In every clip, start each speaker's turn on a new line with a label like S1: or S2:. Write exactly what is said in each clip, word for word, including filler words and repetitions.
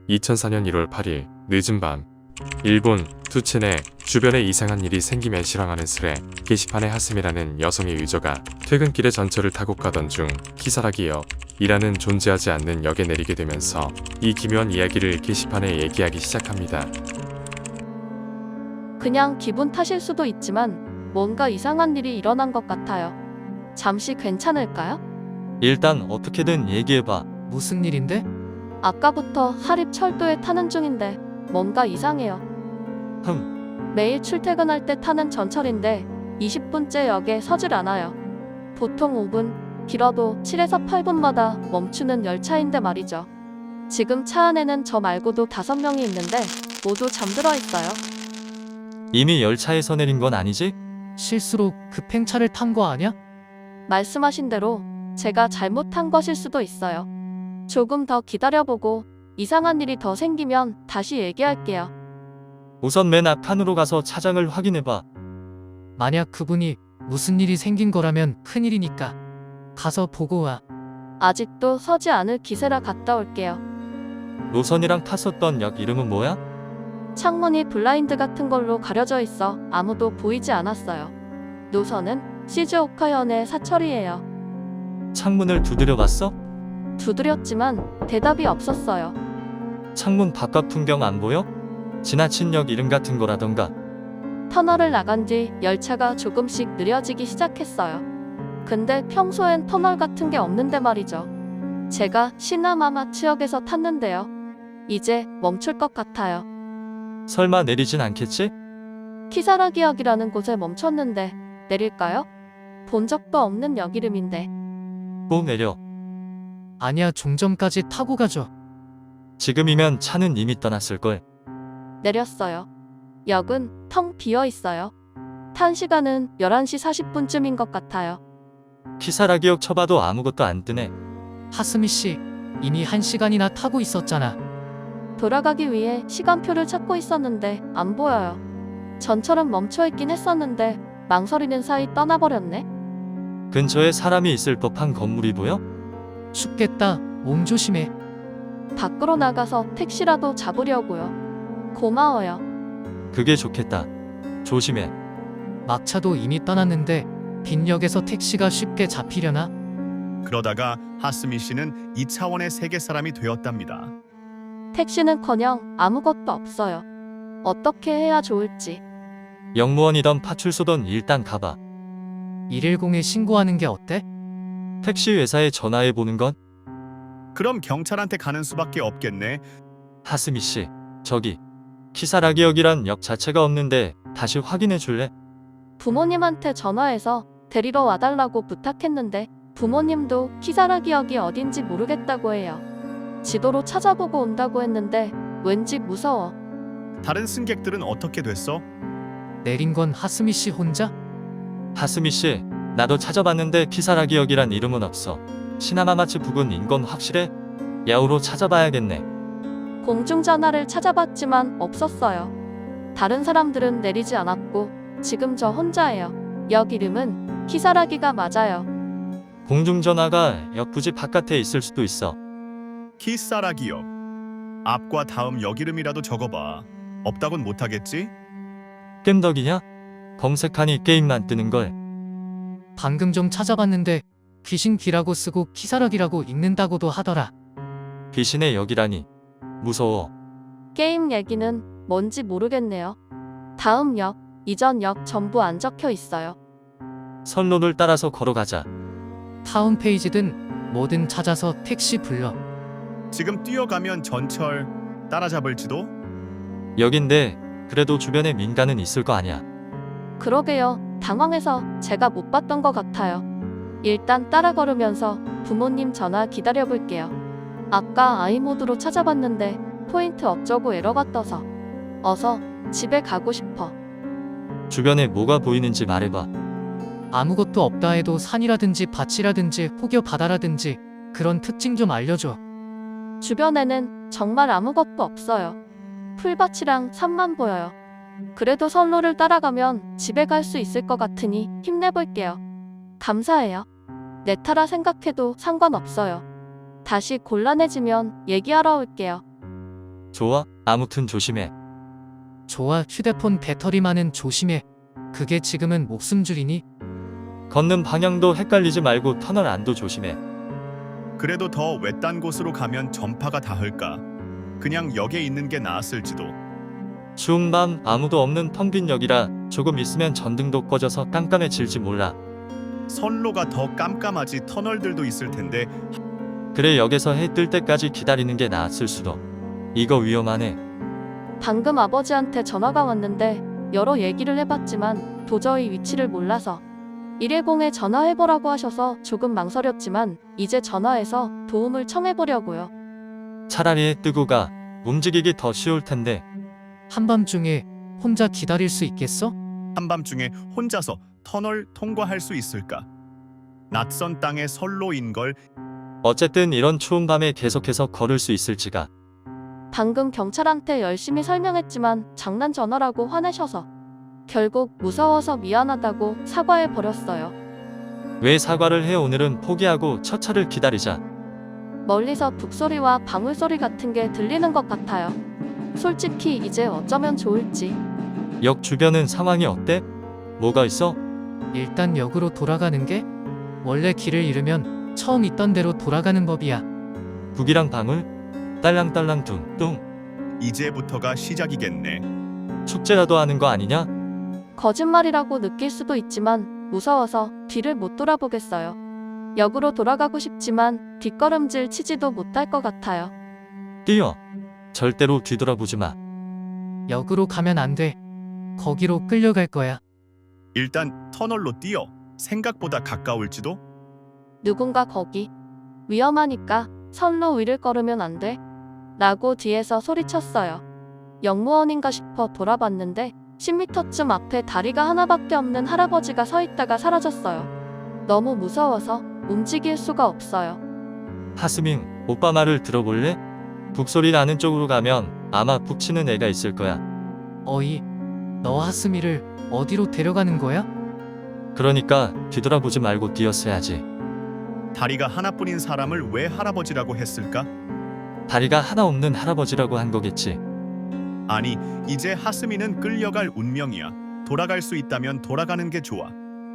S1: 이천사년 일월 팔일 늦은 밤 일본 투첸에 주변에 이상한 일이 생기면 실황하는 슬에 게시판에 하스미라는 여성의 유저가 퇴근길에 전철을 타고 가던 중 키사라기역 이라는 존재하지 않는 역에 내리게 되면서 이 기묘한 이야기를 게시판에 얘기하기 시작합니다.
S2: 그냥 기분 탓일 수도 있지만 뭔가 이상한 일이 일어난 것 같아요. 잠시 괜찮을까요?
S3: 일단 어떻게든 얘기해봐.
S4: 무슨 일인데?
S2: 아까부터 하립철도에 타는 중인데 뭔가 이상해요.
S3: 흠,
S2: 매일 출퇴근할 때 타는 전철인데 이십 분째 역에 서질 않아요. 보통 오 분, 길어도 칠에서 팔 분마다 멈추는 열차인데 말이죠. 지금 차 안에는 저 말고도 다섯 명이 있는데 모두 잠들어 있어요.
S3: 이미 열차에서 내린 건 아니지?
S4: 실수로 급행차를 탄 거 아냐?
S2: 말씀하신 대로 제가 잘못한 것일 수도 있어요. 조금 더 기다려보고 이상한 일이 더 생기면 다시 얘기할게요.
S3: 우선 맨 앞칸으로 가서 차장을 확인해봐.
S4: 만약 그분이 무슨 일이 생긴 거라면 큰일이니까 가서 보고 와.
S2: 아직도 서지 않을 기세라 갔다 올게요.
S3: 노선이랑 탔었던 역 이름은 뭐야?
S2: 창문이 블라인드 같은 걸로 가려져 있어 아무도 보이지 않았어요. 노선은 시즈오카현의 사철이에요.
S3: 창문을 두드려봤어?
S2: 두드렸지만 대답이 없었어요.
S3: 창문 바깥 풍경 안 보여? 지나친 역 이름 같은 거라던가.
S2: 터널을 나간 뒤 열차가 조금씩 느려지기 시작했어요. 근데 평소엔 터널 같은 게 없는데 말이죠. 제가 시나마마츠역에서 탔는데요. 이제 멈출 것 같아요.
S3: 설마 내리진 않겠지?
S2: 키사라기역이라는 곳에 멈췄는데 내릴까요? 본 적도 없는 역 이름인데.
S3: 꼭 내려.
S4: 아니야, 종점까지 타고 가죠.
S3: 지금이면 차는 이미 떠났을걸.
S2: 내렸어요. 역은 텅 비어 있어요. 탄 시간은 열한 시 사십 분쯤인 것 같아요.
S3: 키사라기역 쳐봐도 아무것도 안 뜨네.
S4: 하스미 씨, 이미 한 시간이나 타고 있었잖아.
S2: 돌아가기 위해 시간표를 찾고 있었는데 안 보여요. 전철은 멈춰있긴 했었는데 망설이는 사이 떠나버렸네.
S3: 근처에 사람이 있을 법한 건물이 보여?
S4: 춥겠다. 몸 조심해.
S2: 밖으로 나가서 택시라도 잡으려고요. 고마워요.
S3: 그게 좋겠다. 조심해.
S4: 막차도 이미 떠났는데 빈역에서 택시가 쉽게 잡히려나?
S5: 그러다가 하스미 씨는 이 차원의 세계 사람이 되었답니다.
S2: 택시는커녕 아무것도 없어요. 어떻게 해야 좋을지.
S3: 역무원이던 파출소던 일단 가봐.
S4: 일일공에 신고하는 게 어때?
S3: 택시 회사에 전화해 보는 건?
S5: 그럼 경찰한테 가는 수밖에 없겠네.
S3: 하스미 씨, 저기 키사라기역이란 역 자체가 없는데 다시 확인해 줄래?
S2: 부모님한테 전화해서 데리러 와달라고 부탁했는데 부모님도 키사라기역이 어딘지 모르겠다고 해요. 지도로 찾아보고 온다고 했는데 왠지 무서워.
S5: 다른 승객들은 어떻게 됐어?
S4: 내린 건 하스미 씨 혼자?
S3: 하스미 씨, 나도 찾아봤는데 키사라기역이란 이름은 없어. 시나마마츠 부근인 건 확실해? 야후로 찾아봐야겠네.
S2: 공중전화를 찾아봤지만 없었어요. 다른 사람들은 내리지 않았고 지금 저 혼자예요. 역 이름은 키사라기가 맞아요.
S3: 공중전화가 역 부지 바깥에 있을 수도 있어.
S5: 키사라기역. 앞과 다음 역 이름이라도 적어봐. 없다곤 못하겠지?
S3: 깸덕이냐? 검색하니 게임만 뜨는걸.
S4: 방금 좀 찾아봤는데 귀신기라고 쓰고 키사락이라고 읽는다고도 하더라.
S3: 귀신의 역이라니. 무서워.
S2: 게임 얘기는 뭔지 모르겠네요. 다음 역, 이전 역 전부 안 적혀 있어요.
S3: 선로를 따라서 걸어가자.
S4: 타운 페이지든 뭐든 찾아서 택시 불러.
S5: 지금 뛰어가면 전철 따라잡을지도?
S3: 역인데 그래도 주변에 민가는 있을 거 아니야.
S2: 그러게요. 당황해서 제가 못 봤던 것 같아요. 일단 따라 걸으면서 부모님 전화 기다려볼게요. 아까 아이모드로 찾아봤는데 포인트 어쩌고 에러가 떠서. 어서 집에 가고 싶어.
S3: 주변에 뭐가 보이는지 말해봐.
S4: 아무것도 없다 해도 산이라든지 밭이라든지 혹여 바다라든지 그런 특징 좀 알려줘.
S2: 주변에는 정말 아무것도 없어요. 풀밭이랑 산만 보여요. 그래도 선로를 따라가면 집에 갈 수 있을 것 같으니 힘내볼게요. 감사해요. 내 타라 생각해도 상관없어요. 다시 곤란해지면 얘기하러 올게요.
S3: 좋아, 아무튼 조심해.
S4: 좋아, 휴대폰 배터리만은 조심해. 그게 지금은 목숨줄이니?
S3: 걷는 방향도 헷갈리지 말고 터널 안도 조심해.
S5: 그래도 더 외딴 곳으로 가면 전파가 닿을까? 그냥 역에 있는 게 나았을지도.
S3: 추운 밤 아무도 없는 텅 빈 역이라 조금 있으면 전등도 꺼져서 깜깜해질지 몰라.
S5: 선로가 더 깜깜하지 터널들도 있을 텐데.
S3: 그래, 역에서 해 뜰 때까지 기다리는 게 나았을 수도. 이거 위험하네.
S2: 방금 아버지한테 전화가 왔는데 여러 얘기를 해봤지만 도저히 위치를 몰라서 일일공에 전화해보라고 하셔서 조금 망설였지만 이제 전화해서 도움을 청해보려고요.
S3: 차라리 해 뜨고 가. 움직이기 더 쉬울 텐데.
S4: 한밤중에 혼자 기다릴 수 있겠어?
S5: 한밤중에 혼자서 터널 통과할 수 있을까? 낯선 땅의 선로인 걸.
S3: 어쨌든 이런 추운 밤에 계속해서 걸을 수 있을지가.
S2: 방금 경찰한테 열심히 설명했지만 장난 전화라고 화내셔서 결국 무서워서 미안하다고 사과해버렸어요.
S3: 왜 사과를 해? 오늘은 포기하고 첫 차를 기다리자.
S2: 멀리서 북소리와 방울소리 같은 게 들리는 것 같아요. 솔직히 이제 어쩌면 좋을지.
S3: 역 주변은 상황이 어때? 뭐가 있어?
S4: 일단 역으로 돌아가는 게? 원래 길을 잃으면 처음 있던 대로 돌아가는 법이야.
S3: 북이랑 방울? 딸랑딸랑 둥뚱.
S5: 이제부터가 시작이겠네.
S3: 축제라도 하는 거 아니냐?
S2: 거짓말이라고 느낄 수도 있지만 무서워서 뒤를 못 돌아보겠어요. 역으로 돌아가고 싶지만 뒷걸음질 치지도 못할 것 같아요.
S3: 뛰어. 절대로 뒤돌아보지 마.
S4: 역으로 가면 안 돼. 거기로 끌려갈 거야.
S5: 일단 터널로 뛰어. 생각보다 가까울지도.
S2: 누군가 거기. 위험하니까 선로 위를 걸으면 안 돼. 라고 뒤에서 소리쳤어요. 역무원인가 싶어 돌아봤는데 십 미터쯤 앞에 다리가 하나밖에 없는 할아버지가 서 있다가 사라졌어요. 너무 무서워서 움직일 수가 없어요.
S3: 하스밍, 오빠 말을 들어볼래? 북소리 나는 쪽으로 가면 아마 북치는 애가 있을 거야.
S4: 어이, 너 하스미를 어디로 데려가는 거야?
S3: 그러니까 뒤돌아보지 말고 뛰었어야지.
S5: 다리가 하나뿐인 사람을 왜 할아버지라고 했을까?
S3: 다리가 하나 없는 할아버지라고 한 거겠지.
S5: 아니, 이제 하스미는 끌려갈 운명이야. 돌아갈 수 있다면 돌아가는 게 좋아.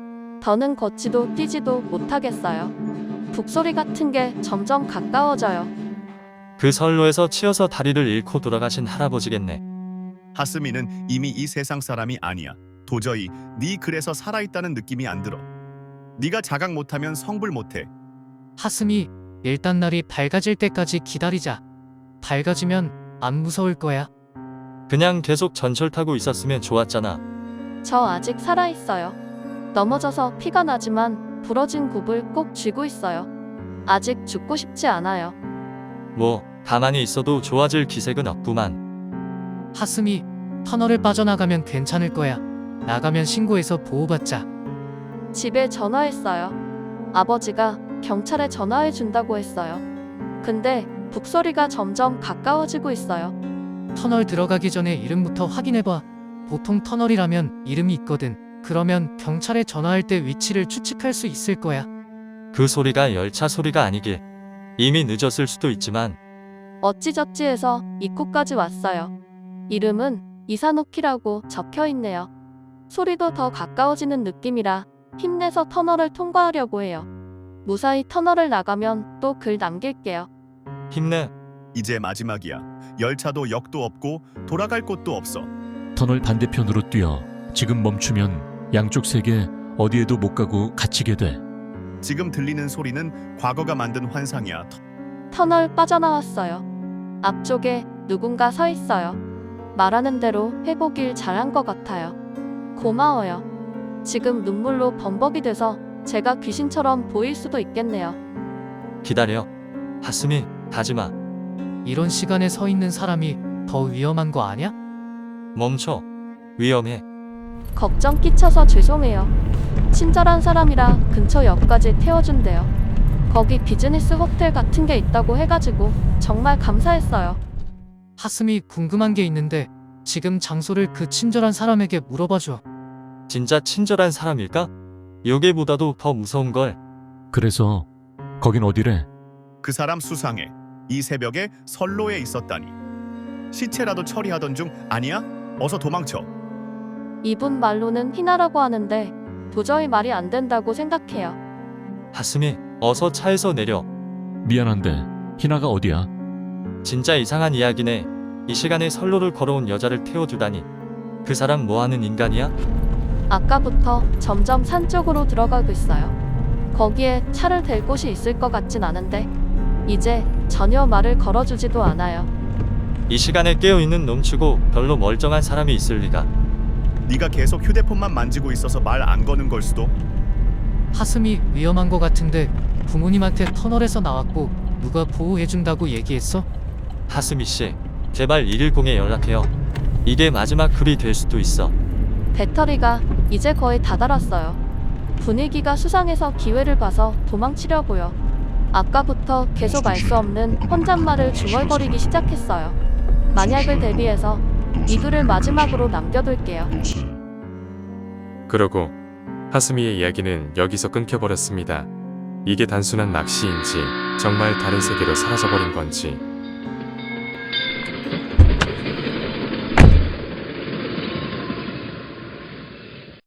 S2: 더는 걷지도 뛰지도 못하겠어요. 북소리 같은 게 점점 가까워져요.
S3: 그 선로에서 치여서 다리를 잃고 돌아가신 할아버지겠네.
S5: 하스미는 이미 이 세상 사람이 아니야. 도저히 네 그래서 살아있다는 느낌이 안 들어. 네가 자각 못하면 성불 못해.
S4: 하스미, 일단 날이 밝아질 때까지 기다리자. 밝아지면 안 무서울 거야.
S3: 그냥 계속 전철 타고 있었으면 좋았잖아.
S2: 저 아직 살아있어요. 넘어져서 피가 나지만 부러진 굽을 꼭 쥐고 있어요. 아직 죽고 싶지 않아요.
S3: 뭐 가만히 있어도 좋아질 기색은 없구만.
S4: 하스미, 터널을 빠져나가면 괜찮을 거야. 나가면 신고해서 보호받자.
S2: 집에 전화했어요. 아버지가 경찰에 전화해 준다고 했어요. 근데 북소리가 점점 가까워지고 있어요.
S4: 터널 들어가기 전에 이름부터 확인해봐. 보통 터널이라면 이름이 있거든. 그러면 경찰에 전화할 때 위치를 추측할 수 있을 거야.
S3: 그 소리가 열차 소리가 아니길. 이미 늦었을 수도 있지만.
S2: 어찌저찌 해서 입구까지 왔어요. 이름은 이사노키라고 적혀 있네요. 소리도 더 가까워지는 느낌이라 힘내서 터널을 통과하려고 해요. 무사히 터널을 나가면 또 글 남길게요.
S3: 힘내.
S5: 이제 마지막이야. 열차도 역도 없고 돌아갈 곳도 없어.
S6: 터널 반대편으로 뛰어. 지금 멈추면 양쪽 세계 어디에도 못 가고 갇히게 돼.
S5: 지금 들리는 소리는 과거가 만든 환상이야.
S2: 터널 빠져나왔어요. 앞쪽에 누군가 서 있어요. 말하는 대로 해보길 잘한 것 같아요. 고마워요. 지금 눈물로 범벅이 돼서 제가 귀신처럼 보일 수도 있겠네요.
S3: 기다려. 하스미, 가지마.
S4: 이런 시간에 서 있는 사람이 더 위험한 거 아냐?
S3: 멈춰. 위험해.
S2: 걱정 끼쳐서 죄송해요. 친절한 사람이라 근처 역까지 태워준대요. 거기 비즈니스 호텔 같은 게 있다고 해가지고 정말 감사했어요.
S4: 하스미, 궁금한 게 있는데 지금 장소를 그 친절한 사람에게 물어봐줘.
S3: 진짜 친절한 사람일까? 요괴보다도 더 무서운걸.
S6: 그래서 거긴 어디래?
S5: 그 사람 수상해. 이 새벽에 선로에 있었다니. 시체라도 처리하던 중 아니야? 어서 도망쳐.
S2: 이분 말로는 희나라고 하는데 도저히 말이 안 된다고 생각해요.
S3: 하스미, 어서 차에서 내려.
S6: 미안한데 희나가 어디야?
S3: 진짜 이상한 이야기네. 이 시간에 선로를 걸어온 여자를 태워주다니. 그 사람 뭐하는 인간이야?
S2: 아까부터 점점 산 쪽으로 들어가고 있어요. 거기에 차를 댈 곳이 있을 것 같진 않은데 이제 전혀 말을 걸어주지도 않아요.
S3: 이 시간에 깨어있는 놈치고 별로 멀쩡한 사람이 있을 리가.
S5: 네가 계속 휴대폰만 만지고 있어서 말 안 거는 걸 수도.
S4: 하슴이 위험한 거 같은데 부모님한테 터널에서 나왔고 누가 보호해준다고 얘기했어?
S3: 하스미 씨, 제발 일일공에 연락해요. 이게 마지막 글이 될 수도 있어.
S2: 배터리가 이제 거의 다 닳았어요. 분위기가 수상해서 기회를 봐서 도망치려고요. 아까부터 계속 알 수 없는 혼잣말을 중얼거리기 시작했어요. 만약을 대비해서 이 글을 마지막으로 남겨둘게요.
S1: 그러고 하스미의 이야기는 여기서 끊겨버렸습니다. 이게 단순한 낚시인지 정말 다른 세계로 사라져버린 건지